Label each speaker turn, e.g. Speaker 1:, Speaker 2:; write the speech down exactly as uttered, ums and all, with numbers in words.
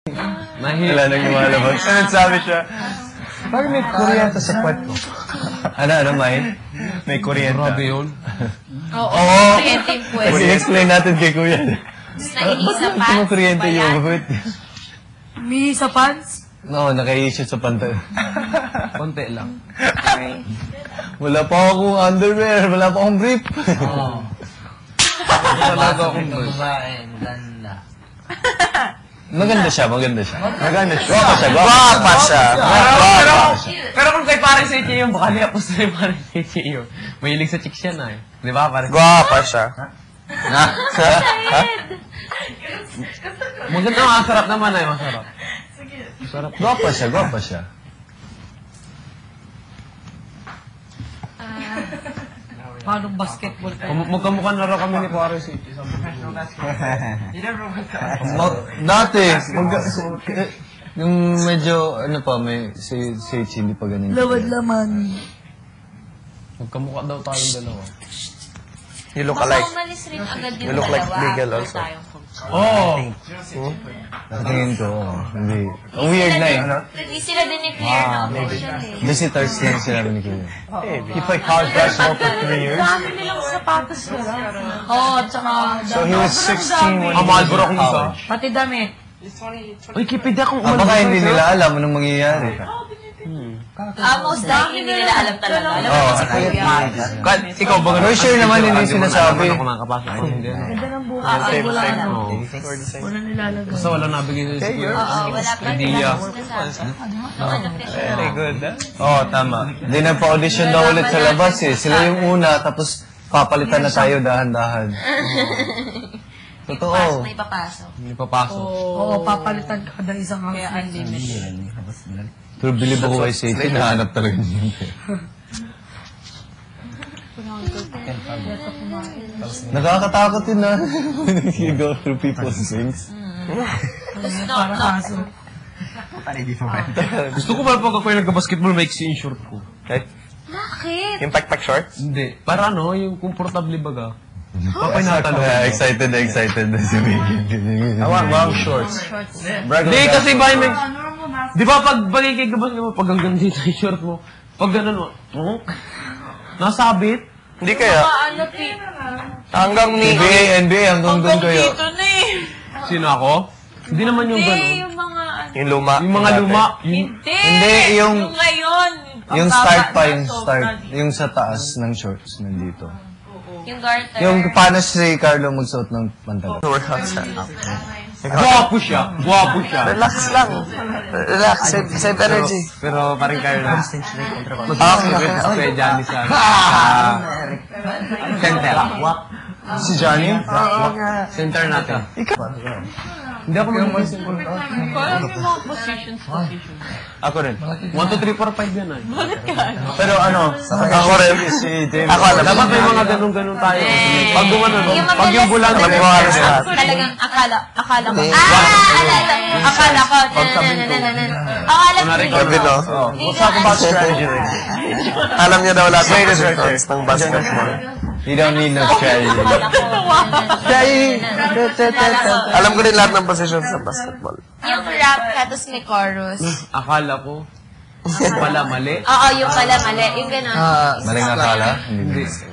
Speaker 1: Mahirap.
Speaker 2: Wala nang lumalabas.
Speaker 3: Ano sabi siya?
Speaker 2: Bakit may kuryente sa puwet ko? Ano, ano, May?
Speaker 3: May kuryente.
Speaker 1: Grabe yun.
Speaker 4: Oo, kuryente yung puwet.
Speaker 2: Kasi explain natin kay Kuya.
Speaker 4: Naiisa pa.
Speaker 2: Bakit mo kuryente yung puwet?
Speaker 5: May sa pants?
Speaker 2: Oo, naka-i-shoot sa pantal.
Speaker 1: Konti lang.
Speaker 2: Wala pa akong underwear, wala pa akong brief.
Speaker 1: Oo. Talaga akong bird.
Speaker 6: Ganda.
Speaker 2: Maganda siya, maganda siya.
Speaker 3: Maganda siya.
Speaker 2: Gwapa siya,
Speaker 3: Gwapa siya.
Speaker 1: Pero, pero kung kay parang sa Ichi yung, baka nilapos na yung parang sa Ichi yung. Mahilig sa chicks yan ah. Di ba? Parang
Speaker 3: Gwapa siya.
Speaker 2: Ha? Ha?
Speaker 1: maganda, masarap naman ay masarap. Masarap.
Speaker 2: Gwapa siya, gwapa siya.
Speaker 5: Paano basketball kayo?
Speaker 1: Kum- Magkamukha na raw kami ni Pare sa Ichi.
Speaker 2: Dati, mag- eh, yung medyo, ano pa, may, si, si Ichi, hindi pa ganun.
Speaker 5: Lawad laman.
Speaker 1: Magkamukha daw tayong dalawa.
Speaker 3: You look
Speaker 4: Baka
Speaker 3: alike.
Speaker 4: umalis rin agad yung
Speaker 3: You look like
Speaker 4: dalawa.
Speaker 3: legal
Speaker 4: Wala
Speaker 3: also.
Speaker 4: tayong kung-
Speaker 1: Oo!
Speaker 2: Tingin ko, oh, hindi. Ang weird na eh.
Speaker 4: Hindi sila din ni-clear na official eh.
Speaker 2: Visitors lang sila ni Kuya.
Speaker 3: He played college basketball for three years.
Speaker 5: Dami nilang sapatos nila. Oo, tsaka...
Speaker 3: So he was sixteen when
Speaker 1: Ang
Speaker 3: he
Speaker 1: mahal
Speaker 3: was
Speaker 1: bro
Speaker 3: in
Speaker 1: kung isa.
Speaker 3: college.
Speaker 5: Pati damit.
Speaker 1: Uy, kipid akong
Speaker 2: Ah, baka hindi nila alam anong mangyayari.
Speaker 4: Ah, most likely hindi nila alam talaga. Alam mo
Speaker 2: Oo.
Speaker 4: si Kuya.
Speaker 1: Kahit ikaw ba
Speaker 2: For sure naman hindi sinasabi.
Speaker 1: Ano kumakapasok ko, hindi.
Speaker 5: Ganda ng buhay.
Speaker 4: Ah,
Speaker 5: Ay, wala
Speaker 3: same.
Speaker 5: na.
Speaker 1: Oo.
Speaker 5: Wala nilalagay.
Speaker 1: Basta wala nabigay sa siguro.
Speaker 4: Oo, wala pa
Speaker 1: Idea.
Speaker 3: Very good.
Speaker 2: Oo, oh, tama. Hindi nagpa-audition daw ulit sa labas eh. Sila yung una, tapos papalitan na tayo dahan-dahan. Totoo.
Speaker 4: May papasok.
Speaker 1: Hindi papasok.
Speaker 5: Oo, papalitan ka kada isang housemate.
Speaker 2: Pero bilib ako kay Satan, nahanap talaga niya. Nakakatakot yun na. You go through people's things.
Speaker 5: Para kaso.
Speaker 1: Gusto ko pala pag ako yung nagka-basketball, maiksi yung short ko.
Speaker 3: Okay.
Speaker 4: Bakit?
Speaker 3: Yung pack-pack shorts?
Speaker 1: Hindi. Para ano, yung comfortable baga. Papay natalo.
Speaker 2: Kaya excited na excited na si Megan.
Speaker 3: I want long shorts.
Speaker 1: Hindi, kasi ba may... Di ba pag bagay kay basketball, pag hanggang dito yung short mo, pag gano'n mo, oh, nasabit.
Speaker 3: Hindi kaya.
Speaker 4: Ano, Pete?
Speaker 3: Hanggang
Speaker 2: N
Speaker 3: ni...
Speaker 2: B A, N B A, hanggang doon kayo.
Speaker 4: Dito na eh.
Speaker 1: Sino ako? Hindi naman yung
Speaker 4: Hindi,
Speaker 1: gano'n.
Speaker 4: yung mga... ano.
Speaker 3: Yung luma.
Speaker 1: Yung mga luma. Yung...
Speaker 4: Hindi!
Speaker 2: Hindi, yung-
Speaker 4: Yung ngayon.
Speaker 2: Yung
Speaker 4: Ang
Speaker 2: start
Speaker 4: baba
Speaker 2: pa,
Speaker 4: na
Speaker 2: yung
Speaker 4: soft
Speaker 2: start.
Speaker 4: na.
Speaker 2: Yung sa taas ng shorts, nandito.
Speaker 4: Yung garter.
Speaker 2: Yung paano si Carlo magsuot ng pantalon.
Speaker 3: Workout siya.
Speaker 1: Guwapo siya. Guwapo siya.
Speaker 3: Relax lang. Relax. Save, save energy.
Speaker 1: Pero parang kayo na.
Speaker 3: Ah,
Speaker 1: Kaya Johnny sa... sa... Center.
Speaker 2: Si Johnny?
Speaker 1: Center natin. Hindi ako mag-basketball.
Speaker 4: Parang yung mga positions, positions.
Speaker 3: Ako rin.
Speaker 1: one, two, three, four, five yan ay.
Speaker 3: Pero ano, ako rin. Si David. Ako alam.
Speaker 1: Dapat may mga ganun-ganun tayo. Pag gumanon,
Speaker 4: Yung
Speaker 1: pag yung bulan,
Speaker 3: Alam mo halos lahat.
Speaker 4: Talagang akala, akala ko. Ah! Alala. Akala ko. Nananananan. Akala ko.
Speaker 3: Gabi, no?
Speaker 4: We'll talk about
Speaker 3: strategy later. Alam niya daw lahat ng results ng basketball.
Speaker 2: You don't need no strategy.
Speaker 3: Alam ko din lahat ng positions ng basketball.
Speaker 4: Yung rap ka, tapos may chorus.
Speaker 1: akala ko, pala mali.
Speaker 4: Oo, yung pala mali. Yung gano'n.
Speaker 2: Maling akala? Hindi.